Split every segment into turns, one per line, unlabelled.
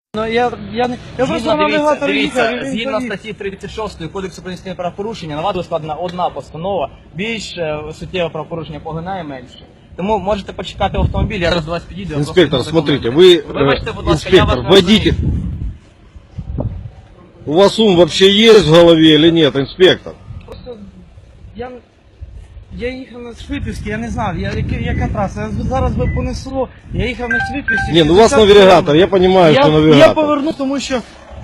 Ну, я просто на навігатор їхав.
Згідно статті 36 Кодексу про адміністративне правопорушення, на вас буде складена одна постанова, більш суттєве правопорушення поглинає менше. Тому можете почекати в автомобілі, я зараз до вас підійду.
Инспектор, смотрите, вы,
Вибачте, будь ласка, я
инспектор,
вас
водитель. У вас ум вообще есть в голове или нет, инспектор?
Просто я їхав на Швидківській, я не знав, яка траса. Зараз би понесло, я їхав на Швидківській.
Не, ну у вас навигатор, я понимаю, что
Я
навигатор.
поверну, тому що...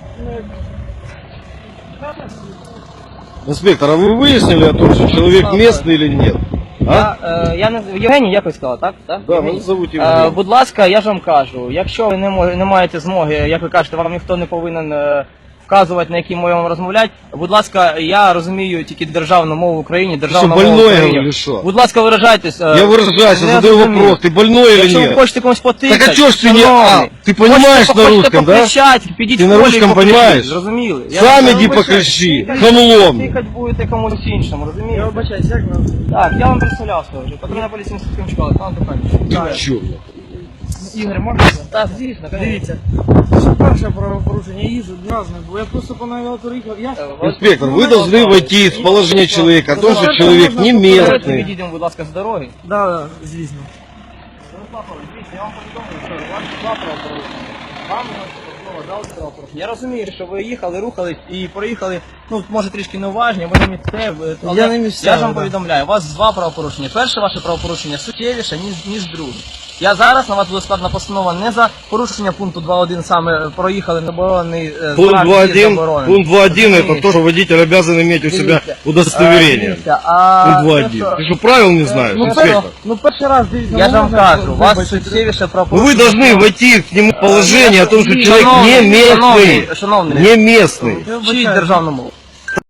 Инспектор, а вы выяснили о том, что человек местный или нет? А?
Я не Євгеній, якось сказав, так?
Да,
Євгеній?
мене зовуть Євгеній.
Будь ласка, я ж вам кажу, якщо ви не маєте змоги, як ви кажете, вам ніхто не повинен вказувати, на якій мові вам розмовляти. Будь ласка, я розумію тільки державну мову в Україні, державну
Що,
мову в
больной,
Україні.
говорю, що?
Будь ласка, виражайтесь.
Я выражаюсь, я задаю вопрос, ты больной или
Якщо ви
нет?
хочете комусь потикати,
Так а чё ж ты не...
шановний,
ты понимаешь
хочете
на русском, да?
покричати, підіть
Ти
в
на
полі і
русском
покричіть,
понимаєш?
Зрозуміли?
Сам
Я
иди
вибачаюсь,
покричи,
тикать-
хамлом.
Тикать будете комусь іншому, розумієте?
Я вибачаюсь, як нам?
Так, я вам представлявся вже. Патрульна поліція інститутським школи, пан Тухань.
Чё?
Ігор, можна?
Так, звісно,
Дивіться, це перше правопорушення, я їжджу разне, бо я просто по навігатору їхав,
Инспектор, вы должны войти в положение человека, о том, что человек не
Давайте
местный.
відійдемо, будь ласка, з дороги.
Да, звісно.
Я вам повідомлю, що у вас два правопорушення. Вам дали правопорушення. Я розумію, що ви їхали, рухались і проїхали, ну, може трішки неуважні, ви не місцеві. але
Я не місцевий,
Я ж вам
да.
повідомляю, у вас два правопорушення. Перше ваше правопорушення суттєвіше, ніж друге. Я зараз на вас буде складена постанова не за порушення пункту 2.1, саме проїхали заборонений
Пункт
знак
2.1, пункт 2.1 это то, что водитель обязан иметь у себя удостоверение.
Дивіться,
Пункт 2.1. Ты что, правил не знаешь,
Ну,
инспектор?
ну перший раз, дивіться.
я ж вам
можна?
кажу, у вас
Вибачте.
суттєвіше
Ну,
правопорушення.
вы должны войти к нему в положение о том, что человек не местный.
Шановний,
Не местный.
Я
вчіть
вибачаюсь.
державну мову.